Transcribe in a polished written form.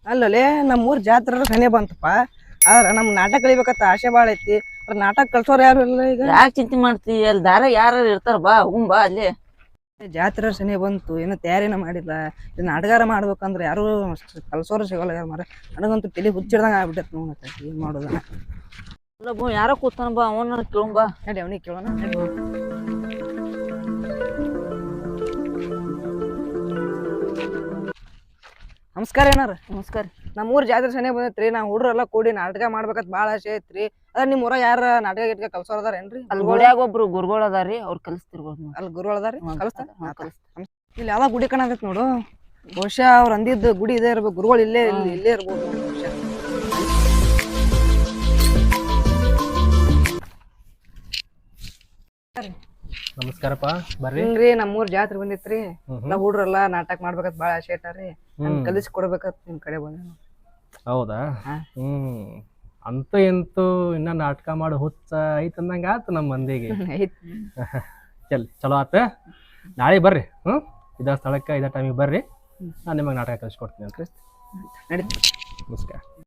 ಅಲ್ಲಲೇ ನಮ್ಮೂರ್ ಜಾತ್ರೆ ಸನಿ ಬಂತಪ್ಪ. ಆದ್ರ ನಮ್ ನಾಟಕ ಕಲಿಬೇಕಂತ ಆಸೆ ಬಾಳ ಐತಿ. ನಾಟಕ ಕಲ್ಸೋರ್ ಯಾರು ಇಲ್ಲ ಈಗ. ಯಾಕೆ ಚಿಂತೆ ಮಾಡ್ತಿ? ಅಲ್ಲಿ ದಾರ ಯಾರು ಇರ್ತಾರ, ಬಾ ಹೋಗುಂ ಬಾ ಅಲ್ಲಿ. ಜಾತ್ರೆ ಸನಿ ಬಂತು, ಏನು ತಯಾರಿನ ಮಾಡಿಲ್ಲ. ಇದು ನಾಟಗಾರ ಮಾಡ್ಬೇಕಂದ್ರೆ ಯಾರು ಕಲ್ಸೋರು ಸಿಗಲ್ಲ ಯಾರು ಮಾರ. ನನಗಂತೂ ತಲೆ ಹುಚ್ಚಿಡ್ದಂಗ ಆಗ್ಬಿಟ್ಟೈತಿ. ನೋಡತ್ತ ಏನ್ ಮಾಡೋದ. ಇಲ್ಲ ಬೋ, ಯಾರೋ ಕೂತಾನ ಬಾ, ಅವನ ಕೇಳುಂ ಬಾ. ನಡಿ ಅವನಿಗೆ ಕೇಳೋಣ. ನಮಸ್ಕಾರ ಏನಾರ. ನಮಸ್ಕಾರ. ನಮ್ಮೂರ್ ಜಾತ್ರೆ ಸನಿ ಬಂದೈತ್ರಿ. ನಾವು ಹುಡ್ರೆಲ್ಲ ಕೂಡಿ ನಾಟಕ ಮಾಡ್ಬೇಕಂತ ಬಾಳ ಆಸೆ ಐತ್ರಿ. ಅದ ನಿಮ್ ಊರಾಗ ಯಾರ ನಾಟಕ ಗಿಟ್ಕ ಕಲ್ಸೋರ್ ಅದಾರೇನ್ರಿ? ಅಲ್ಲಿ ಗುಡಿಯಾಗ ಒಬ್ರು ಗುರುಗಳು ಅದಾರಿ, ಅವ್ರು ಕಲಿಸ್ತಿರ್ಬೋದು. ಅಲ್ಲಿ ಗುರುಗಳು ಅದಾರಿ, ಕಲಿಸ್ತಾರ. ಕಲಿಸ್ತಾರ. ಇಲ್ಲಿ ಯಾವ್ದ ಗುಡಿ ಕಾಣತೈತಿ ನೋಡು. ಬಹುಶಃ ಅವ್ರ ಅಂದಿದ್ದು ಗುಡಿ ಇದೇ ಇರ್ಬೇಕು. ಗುರುಗಳು ಇಲ್ಲೇ ಇರ್ಬೋದು ಬಹುಶಃ. ನಮಸ್ಕಾರಪ್ಪ, ಬರ್ರಿ. ಹಿಂಗ್ರಿ ನಮ್ಮೂರ್ ಜಾತ್ರೆ ಬಂದಿತ್ರಿ. ಎಲ್ಲ ಹುಡ್ರೆಲ್ಲ ನಾಟಕ ಮಾಡ್ಬೇಕಂತ ಬಾಳ ಆಸೆ ಐತಾರ್ರಿ. ಕಲಿಸಿ ಕೊಡ್ಬೇಕಂತ ನಿಮ್ ಕಡೆ ಬಂದ. ಹೌದಾ? ಅಂತ ಎಂತೂ ಇನ್ನ ನಾಟಕ ಮಾಡೋ ಹುಚ್ಚ ಐತಂದಂಗ ಆತ ನಮ್ಮ ಮಂದಿಗೆ. ಚಲೋ ಆತ. ನಾಳೆ ಬರ್ರಿ. ಇದ ಸ್ಥಳಕ್ಕೆ ಇದ ಟೈಮಿಗೆ ಬರ್ರಿ. ನಾನು ನಿಮಗೆ ನಾಟಕ ಕಲಿಸ್ಕೊಡ್ತೀನಿ ಅಂತ. ನಡೀತಿ. ನಮಸ್ಕಾರ.